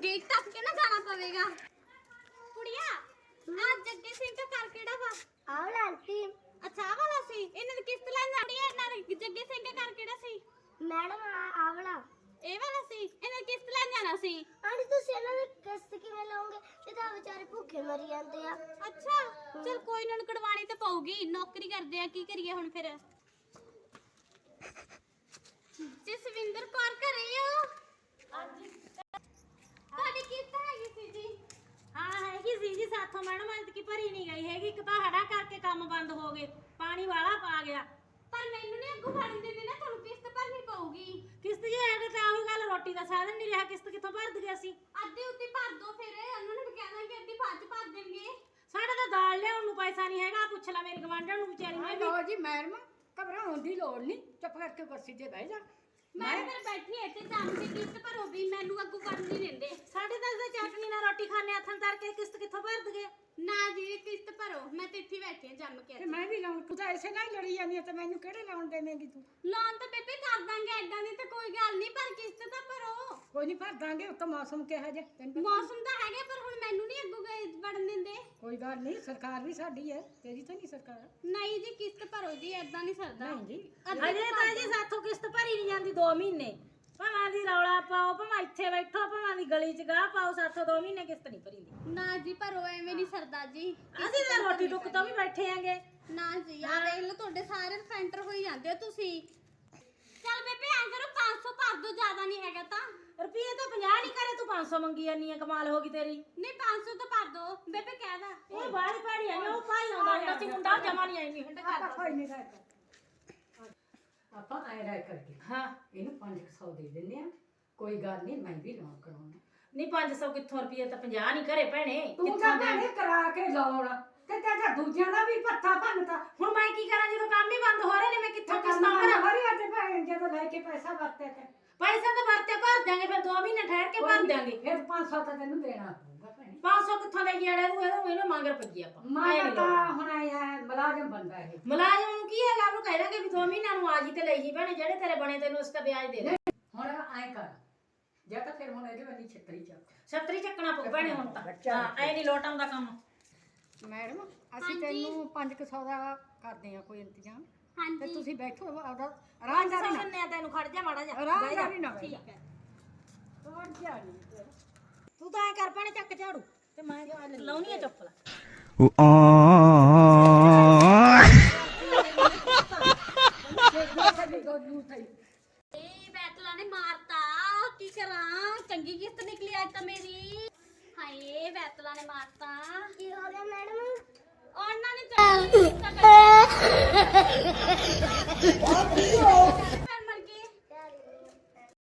Gate ਤੱਕ ਕੇ ਨਾ ਜਾਣਾ ਪਵੇਗਾ। ਕੁੜੀਆ ਆ ਜੱਗੇ ਸਿੰਘ ਦਾ ਘਰ ਕਿਹੜਾ ਵਾ? ਆਹ ਆਂਟੀ ਅੱਛਾ ਆਹ ਵਾਲਾ ਸੀ। ਇਹਨਾਂ ਦੀ ਕਿਸ਼ਤ ਲੈਣ ਜਾਣੀ ਹੈ। ਇਹਨਾਂ ਦੇ ਜੱਗੇ ਸਿੰਘ ਦਾ ਘਰ ਕਿਹੜਾ ਸੀ? ਮੈਡਮ ਆਹ ਵਾਲਾ ਇਹ ਵਾਲਾ ਸੀ। ਇਹਨਾਂ ਦੀ ਕਿਸ਼ਤ ਲੈਣ ਜਾਣਾ ਸੀ। ਆਂਟੀ ਤੁਸੀਂ ਇਹਨਾਂ ਦੀ ਕਿਸ਼ਤ ਕਿਵੇਂ ਲਾਓਗੇ? ਇਹ ਤਾਂ ਵਿਚਾਰੇ ਭੁੱਖੇ ਮਰੀ ਜਾਂਦੇ ਆ। ਅੱਛਾ ਚਲ ਕੋਈ ਨਾ, ਕਢਵਾਣੀ ਤੇ ਪਊਗੀ, ਨੌਕਰੀ ਕਰਦੇ ਆ, ਕੀ ਕਰੀਏ ਹੁਣ ਫਿਰ। ਜਸਵਿੰਦਰ ਕੌਰ ਘਰੇ ਹੋ? ਹਾਂਜੀ। ਤੁਹਾਡੀ ਕਿਸ਼ਤ ਹੈਗੀ ਸੀ ਜੀ? ਹਾਂ ਹੈਗੀ ਸੀ ਜੀ, ਸਾਥੋਂ ਮੈਡਮ ਅੱਜ ਕੀ ਭਰੀ ਨਹੀਂ ਗਈ ਹੈਗੀ। ਇੱਕ ਤਾਂ ਹੜਾ ਕਰਕੇ ਕੰਮ ਬੰਦ ਹੋ ਗਏ, ਪਾਣੀ ਵਾਲਾ ਪਾ ਗਿਆ। ਪਰ ਮੈਨੂੰ ਨਹੀਂ ਅੱਗੋਂ ਫੜਨ ਦਿੰਦੇ ਨਾ, ਤੁਹਾਨੂੰ ਕਿਸ਼ਤ ਭਰਨੀ ਪਊਗੀ। ਕਿਸ਼ਤ ਜੀ ਐਡੇ ਤਾਂ ਉਹੀ ਗੱਲ, ਰੋਟੀ ਦਾ ਸਾਧਨ ਨਹੀਂ ਰਿਹਾ, ਕਿਸ਼ਤ ਕਿੱਥੋਂ ਭਰ ਦਈਏ ਅਸੀਂ? ਅੱਧੀ ਉੱਤੀ ਭਰ ਦੋ, ਫਿਰ ਉਹਨਾਂ ਨੂੰ ਵੀ ਕਹਿ ਦਾਂਗੇ ਅੱਧੀ ਬਾਅਦ ਚ ਭਰ ਦੇਣਗੇ। ਸਾਡੇ ਤਾਂ ਦਾਲ ਲਿਆਉਣ ਨੂੰ ਪੈਸਾ ਨਹੀਂ ਹੈਗਾ। ਪੁੱਛ ਲੈ ਮੇਰੀ ਗਵਾਂਢਣ ਨੂੰ ਵਿਚਾਰੀ ਨੇ ਵੀ। ਲੋ ਜੀ ਮੈਡਮ, ਘਬਰਾਉਣ ਦੀ ਲੋੜ ਨਹੀਂ, ਚੁੱਪ ਕਰਕੇ ਕੁਰਸੀ ਤੇ ਬਹਿ ਜਾ। ਮੈਂ ਫਿਰ ਬੈਠੀ ਇੱਥੇ ਜਾਣ ਕੇ ਕਿਸ਼ਤ ਭਰੋ ਵੀ, ਮੈਨੂੰ ਅੱਗੋਂ ਫੜਨ ਨਹੀਂ ਦਿੰਦੇ। ਸਾਡੇ ਤਾਂ ਇਹਦੇ ਚਟਨੀ ਨਾਲ ਰੋਟੀ ਖਾਣੇ ਹੱਥਾਂ ਤਰ ਕੇ ਕਿਸ਼ਤ ਕਿੱਥੋਂ ਭਰ ਦਈਏ? ਨਾ ਜੀ ਕਿਸ਼ਤ ਭਰੋ, ਮੈਂ ਤੇ ਇੱਥੇ ਬੈਠੀ ਹਾਂ ਜੰਮ ਕੇ। ਤੇ ਮੈਂ ਵੀ ਲਾਉਣ, ਤੂੰ ਤਾਂ ਐਸੇ ਨਾਲ ਹੀ ਲੜੀ ਜਾਂਦੀ ਹੈ, ਤੇ ਮੈਨੂੰ ਕਿਹੜੇ ਲਾਉਣ ਦੇਵੇਂਗੀ ਤੂੰ? ਲੋਨ ਤਾਂ ਬੇਬੇ ਕਰ ਦਾਂਗੇ, ਐਦਾਂ ਦੀ ਤਾਂ ਕੋਈ ਗੱਲ ਨਹੀਂ, ਪਰ ਕਿਸ਼ਤ ਤਾਂ ਭਰੋ। ਕੋਈ ਨਹੀਂ ਭਰ ਦਾਂਗੇ, ਉੱਤੋਂ ਮੌਸਮ ਕਿਹੋ ਜਿਹਾ ਤੈਨੂੰ ਪਤਾ। ਮੌਸਮ ਤਾਂ ਹੈਗਾ, ਪਰ ਹੁਣ ਮੈਨੂੰ ਨਹੀਂ ਅੱਗੋਂ ਵੜਨ ਦਿੰਦੇ। ਕੋਈ ਗੱਲ ਨਹੀਂ, ਸਰਕਾਰ ਵੀ ਸਾਡੀ ਹੈ, ਤੇਰੀ ਤਾਂ ਨਹੀਂ ਸਰਕਾਰ। ਨਹੀਂ ਜੀ ਕਿਸ਼ਤ ਭਰੋ ਜੀ, ਐਦਾਂ ਨਹੀਂ ਸਰਦਾ। ਨਹੀਂ ਜੀ, ਅਜੇ ਤਾਂ ਜੀ ਸਾਥੋਂ ਕਿਸ਼ਤ ਭਰੀ ਨਹੀਂ ਜਾਂਦੀ 2 ਮਹੀਨੇ। ਭਾਵਾਂ ਦੀ ਰੌਲਾ ਪਾਓ, ਭਾਵਾਂ ਇੱਥੇ ਬੈਠੋ, ਭਾਵਾਂ ਦੀ ਗਲੀ 'ਚ ਗਾਹ ਪਾਓ, ਸਾਥੋਂ 2 ਮਹੀਨੇ ਕਿਸ਼ਤ ਨਹੀਂ ਭਰੀਦੀ। ਨਾ ਜੀ ਭਰੋ, ਐਵੇਂ ਨਹੀਂ ਸਰਦਾ ਜੀ। ਅਸੀਂ ਤਾਂ ਰੋਟੀ ਟੁੱਕ ਤੋਂ ਵੀ ਬੈਠੇ ਆਂਗੇ। ਨਾ ਜੀ ਆ ਦੇਖ ਲਓ, ਤੁਹਾਡੇ ਸਾਰੇ ਫੈਂਟਰ ਹੋਈ ਜਾਂਦੇ ਹੋ ਤੁਸੀਂ। ਚੱਲ ਬੇਬੇ ਐਂ ਕਰੋ, 500 ਭਰ ਦੋ, ਜ਼ਿਆਦਾ ਨਹੀਂ ਹੈਗਾ ਤਾਂ। ਰੁਪਈਏ ਤਾਂ 50 ਨਹੀਂ ਕਰੇ, ਤੂੰ 500 ਮੰਗੀ ਜਾਨੀ ਆ, ਕਮਾਲ ਹੋ ਗਈ ਤੇਰੀ। ਨਹੀਂ 500 ਤਾਂ ਭਰ ਦੋ ਬੇਬੇ, ਕਹਿਦਾ। ਇਹ ਬਾਹਰ ਪਾੜੀ ਆ, ਉਹ ਭਾਈ ਆਉਂਦਾ ਹੁੰਦਾ ਸੀ ਮੁੰਡਾ, ਜਮਾ ਨਹੀਂ ਆਈ ਨਹੀਂ ਹੁੰਦਾ ਆਪਾਂ ਕਰਦਾ। ਕੋਈ ਨਹੀਂ ਰਹਿ ਕਰ, ਆਪਾਂ ਐ ਰਹਿ ਕਰਕੇ ਹਾਂ ਇਹਨੂੰ 500 ਦੇ ਦਿੰਦੇ ਆ। ਕੋਈ ਗੱਲ ਨਹੀਂ, ਮੈਂ ਵੀ ਲੋਨ ਕਰਾਉਣਾ। ਨਹੀਂ 500 ਕਿੱਥੋਂ, ਰੁਪਈਏ ਤਾਂ 50 ਨਹੀਂ ਘਰੇ ਭੈਣੇ। ਤੂੰ ਤਾਂ ਭੈਣੇ ਕਰਾ ਕੇ ਲਾਉਣ, ਤੇ ਤੇਰਾ ਦੂਜਿਆਂ ਦਾ ਵੀ ਪੱਥਾ ਭੰਨਤਾ। ਹੁਣ ਮੈਂ ਕੀ ਕਰਾਂ ਜਦੋਂ ਕੰਮ ਹੀ ਬੰਦ ਹੋ ਰਹੇ ਨੇ? ਮੈਂ ਕਿੱਥੋਂ ਕਿਸ਼ਤਾਂ ਭਰਾਂ? ਭਰਿਆ ਤੇ ਭੈਣ ਜਦੋਂ ਲੈ ਕੇ ਪੈਸਾ ਵਰਤੇ ਤੇ ਪੈਸਾ ਤਾਂ ਵਰਤੇ ਭਰ ਦਿਆਂਗੇ, ਫਿਰ 2 ਮਹੀਨੇ ਠਹਿਰ ਕੇ ਭਰ ਦਿਆਂਗੇ। ਫਿਰ 500 ਤਾਂ ਤੈਨੂੰ ਦੇਣਾ ਪਊਗਾ ਭੈਣੇ। 500 ਕਿੱਥੋਂ ਦੇ ਗੇੜੇ ਨੂੰ ਇਹਨੂੰ ਮੰਗਰ ਪੱਜੀ ਆਪਾਂ। ਮੈਂ ਤਾਂ ਹੁਣ ਆਇਆ ਮੁਲਾਜ਼ਮ ਬੰਦਾ ਇਹ। ਮੁਲਾਜ਼ਮ ਨੂੰ ਕੀ ਹੈਗਾ, ਉਹਨੂੰ ਕਹਿ ਦਾਂਗੇ ਵੀ 2 ਮਹੀਨਿਆਂ ਨੂੰ ਆ ਜੀ ਤੇ ਲੈ ਜੀ ਭੈਣੇ, ਜਿਹੜੇ ਤੇਰੇ ਬਣੇ ਤੈਨੂੰ ਉਸ ਦਾ ਵਿਆਜ ਦੇ ਦੇ। ਹੁਣ ਐ ਕਰ, ਜਾਂ ਤਾਂ ਫਿਰ ਹੁਣ ਇਹਦੇ ਵਾਲੀ ਛੱਤਰੀ ਚੱਕ। ਛਤਰੀ ਚੱਕਣਾ ਪਊ ਭੈਣੇ ਹੁਣ ਤਾਂ। ਹਾਂ ਐ ਨਹੀਂ ਲੋਟ ਆਉਂਦਾ ਕੰਮ। ਮੈਡਮ ਅਸੀਂ ਤੈਨੂੰ 500 ਦਾ ਕਰਦੇ ਆ ਕੋਈ ਇੰਤਜ਼ਾਮ, ਤੇ ਹਾਂਜੀ ਤੁਸੀਂ ਬੈਠੋ ਆਪਦਾ ਆਰਾਮਦਾਰੀ ਨਾਲ। ਸੁਣਨੇ ਆ ਤੈਨੂੰ, ਖੜ ਜਾ ਮਾੜਾ ਜਾ। ਆਰਾਮਦਾਰੀ ਨਾਲ ਠੀਕ ਹੈ। ਹੋਰ ਜਾ ਨਹੀਂ ਤੂੰ ਤਾਂ ਐ ਕਰ ਭੈਣੇ, ਚੱਕ ਝਾੜੂ ਤੇ ਮੈਂ ਲਾਉਣੀ ਆ ਚੁੱਪ ਲਾ। ਬੈਤਲਾ ਨੇ ਮਾਰਤਾ, ਕੀ ਕਰਾਂ? ਚੰਗੀ ਕਿਸ਼ਤ ਨਿਕਲੀ ਅੱਜ ਤਾਂ ਮੇਰੀ। ਹਾਏ ਬੈਤਲਾ ਨੇ ਮਾਰਤਾ। ਕੀ ਹੋ ਗਿਆ ਮੈਡਮ? ਉਹਨਾਂ ਨੇ ਚੰਗੀ ਕਿਸ਼ਤ